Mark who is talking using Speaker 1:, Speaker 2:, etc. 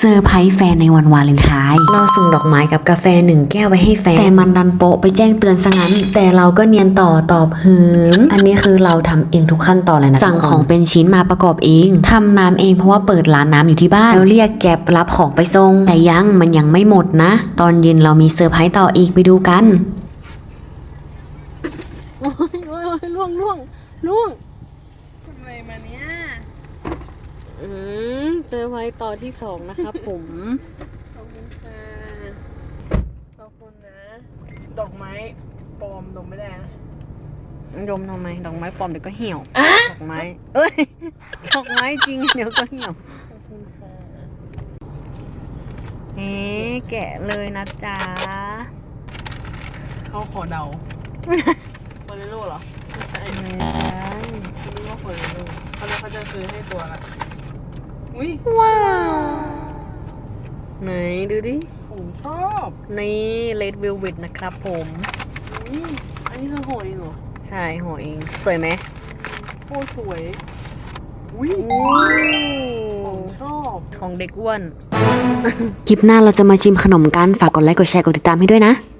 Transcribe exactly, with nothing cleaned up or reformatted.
Speaker 1: ซอร์ไพรส์แฟนในวันวาเลนไทน์เราส่งดอกไม้กับกาแฟหนึ่งแก้วไปให้แฟนแต่มันดันโปะไปแจ้งเตือนซะงั้นแต่เราก็เนียนต่อตอบหืมอันนี้คือเราทำเองทุกขั้นตอนเลยนะสั่งของเป็นชิ้นมาประกอบเองทำน้ำเองเพราะว่าเปิดร้านน้ำอยู่ที่บ้านแล้วเรียกแก็บรับของไปส่งแต่ยังมันยังไม่หมดนะตอนเย็นเรามีเซอร์ไพรส์ต่ออีกไปดูกัน
Speaker 2: โอ้ยโอ้ยล่วงล่วงล่วงทำอะไรมาเนี่ยอืมเจอไว้ต่อที่สองนะครับผม
Speaker 3: ขอบคุณค่ะขอบคุณนะ ดอกไม้ปลอมดมไม่ได้นะ
Speaker 2: ดมทำไมดอกไม้ปลอมเดี๋ยวก็เหี่ยวดอกไม้เอ้ยดอกไม้จริงเดี๋ยวก็เหี่ยว
Speaker 3: ขอบคุณค่ะ
Speaker 2: เอ๊ะแกะเลยนะจ๊ะ
Speaker 3: เขาขอเดาฟอเรโร่เหรอไม่ใช่
Speaker 2: ไม่ใช่
Speaker 3: คิดว่าฟอเรโร่เขาเลยเขาจะซื้อให้ตัวละอุ้ย
Speaker 2: ว้าวไหนดูดิ
Speaker 3: ผมชอบ
Speaker 2: นี่เลดวิลวิทนะครับผม
Speaker 3: อุ้ยอันนี้เธอห่อเองเหรอ
Speaker 2: ใช่ห่อเองสวยไหม
Speaker 3: โคตรสวยอุ้ยผมชอบ
Speaker 2: ของเด็กอ้วน
Speaker 1: คลิปหน้าเราจะมาชิมขนมกันฝากกดไลค์กดแชร์กดติดตามให้ด้วยนะ